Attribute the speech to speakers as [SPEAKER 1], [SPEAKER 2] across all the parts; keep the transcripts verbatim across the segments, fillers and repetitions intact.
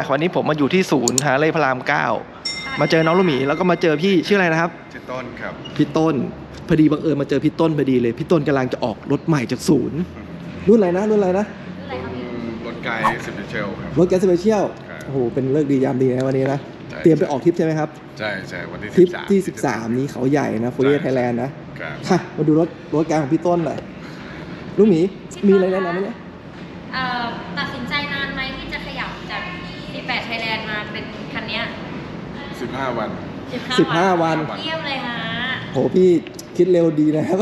[SPEAKER 1] วันนี้ผมมาอยู่ที่ศูนย์ฮาร์เลย์พระรามเก้ามาเจอน้องลูกหมีแล้วก็มาเจอพี่ชื่ออะไรนะครับ
[SPEAKER 2] ชื่อต้นครับ
[SPEAKER 1] พี่ต้นพอดีบังเอิญมาเจอพี่ต้นพอดีเลยพี่ต้นกำลังจะออกรถใหม่จากศูนย์รุ่นอะไรนะรุ่นอะไรนะ
[SPEAKER 2] รถไกด์สเปเชียลครับ
[SPEAKER 1] รถไกด์สเปเชียลโอ้โหเป็นเลิกดียามดีนะวันนี้นะเตรียมไปออกทริปใช่ไหมครับ
[SPEAKER 2] ใช่ใช่วันที่
[SPEAKER 1] ทริปที่สิบสามนี้เขาใหญ่นะโฟเรียไทยแลนด์นะค่ะมาดูรถรถไกด์ของพี่ต้นหน่อยลูกหมีมีอะไรแนะนำไหมเนี่ย
[SPEAKER 3] ตัดสินใจนานไหมที่จะขยับจากสิบแปดไทยแลนด์มาเป็นคันนี้
[SPEAKER 2] สิบห้าวัน
[SPEAKER 1] สิบห้าวัน
[SPEAKER 3] เยี่ยมเลยฮะ
[SPEAKER 1] โหพี่คิดเร็วดีนะครับ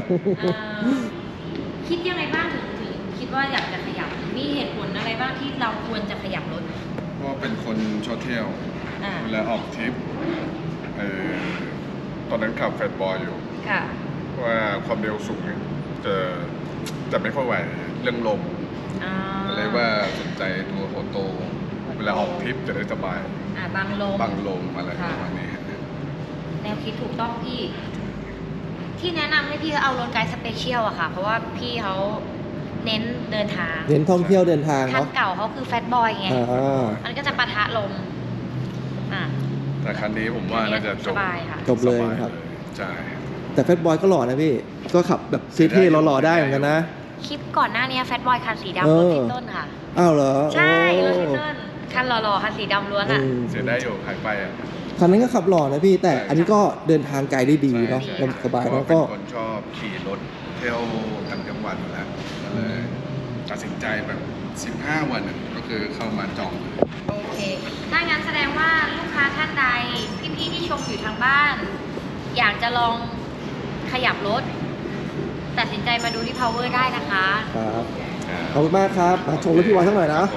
[SPEAKER 3] คิดยังไงบ้างถึงถึงคิดว่าอยากจะขยับมีเหตุผลอะไรบ้างที่เราควรจะขยับรถ
[SPEAKER 2] เพราะเป็นคนชอบเที่ยวเวลาออกทริปเออตอนนั้นขับแฟตบอยอยู่ว่าความเร็วสูงจะจะไม่ค่อยไหวเรื่องลมอะไรว่าสนใจตัวโอโต้เวลาออกทริปจะได้สบาย
[SPEAKER 3] บังลม
[SPEAKER 2] บังลมอะไรประมาณนี้
[SPEAKER 3] แนวคิดถูกต้องพี่ที่แนะนำให้พี่เอารถไกด์สเปเชียลอะค่ะเพราะว่าพี่เขาเน้นเดินทาง
[SPEAKER 1] เน้นท่องเที่ยวเดินทาง
[SPEAKER 3] คันเก่าเขาคือแฟตบอยไงมันก็จะปะทะลม
[SPEAKER 2] แต่คันนี้ผมว่าน่าจะจบ
[SPEAKER 1] จบเลยครับ
[SPEAKER 2] ใช่
[SPEAKER 1] แต่แฟตบอยก็หล่อนะพี่ก็ขับแบบเท่ๆหล่อๆได้เหมือนกันนะ
[SPEAKER 3] คลิปก่อนหน้านี้แฟตบอยคันสีดำรถพี่ต้นค่ะ
[SPEAKER 1] อ้าวเหรอ
[SPEAKER 3] ใช่รถพี่ต้นคันหล่อๆคันสีดำล้วนอ่ะ
[SPEAKER 2] เสียได้อยู่ขายไปอ่ะ
[SPEAKER 1] คันนั้นก็ขับหล่อนะพี่แต่อันนี้ก็เดินทางไกลได้ดีเนาะสบายแล้วก็
[SPEAKER 2] คนชอบขี่รถเที่ยวต่างจังหวัดอยู่แล้วก็เลยตัดสินใจแบบสิบห้าวันก็คือเข้ามาจองเลย
[SPEAKER 3] โอเคถ้างั้นแสดงว่าลูกค้าท่านใดพี่ๆที่ชมอยู่ทางบ้านอยากจะลองขยับรถตัดสินใจมาดูที่ Power ได้นะคะ
[SPEAKER 1] ครับขอบคุณมากครับมาชมรถพี่วานสักหน่อยนะ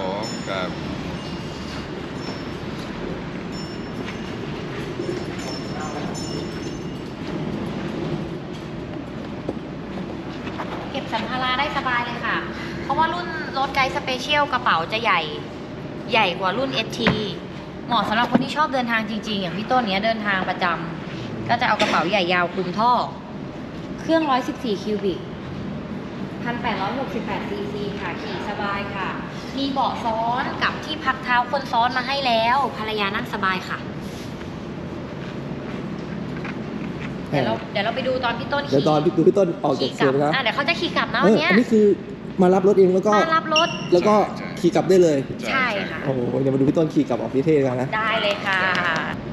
[SPEAKER 3] เก็บสัมภาระได้สบายเลยค่ะเพราะว่ารุ่นรถไกด์สเปเชียลกระเป๋าจะใหญ่ใหญ่กว่ารุ่น เอส ที เหมาะสำหรับคนที่ชอบเดินทางจริงๆอย่างพี่ต้นเนี้ยเดินทางประจำก็จะเอากระเป๋าใหญ่ยาวคลุมท่อเครื่องหนึ่งร้อยสิบสี่คิวบิก หนึ่งพันแปดร้อยหกสิบแปด ซี ซี ค่ะขี่สบายค่ะมีเบาะซ้อนกับที่พักเท้าคนซ้อนมาให้แล้วภรรยานั่งสบายค่ะเดี๋ยวเราเดี๋ยวเราไปดูตอนพี่ต้นขี่
[SPEAKER 1] เดี๋ยวตอนดูพี่ต้นออกจากเสือนะ
[SPEAKER 3] เดี๋ยวเขาจะขี่กลับนะวันนี้
[SPEAKER 1] อันนี้คือมารับรถเองแล้วก็
[SPEAKER 3] มารับรถ
[SPEAKER 1] แล้วก็ขี่กลับได้เลย
[SPEAKER 3] ใช่ค่ะ
[SPEAKER 1] โอ้โหเดี๋ยวมาดูพี่ต้นขี่กลับออกพิเทศกันนะ
[SPEAKER 3] ได้เลยค่ะ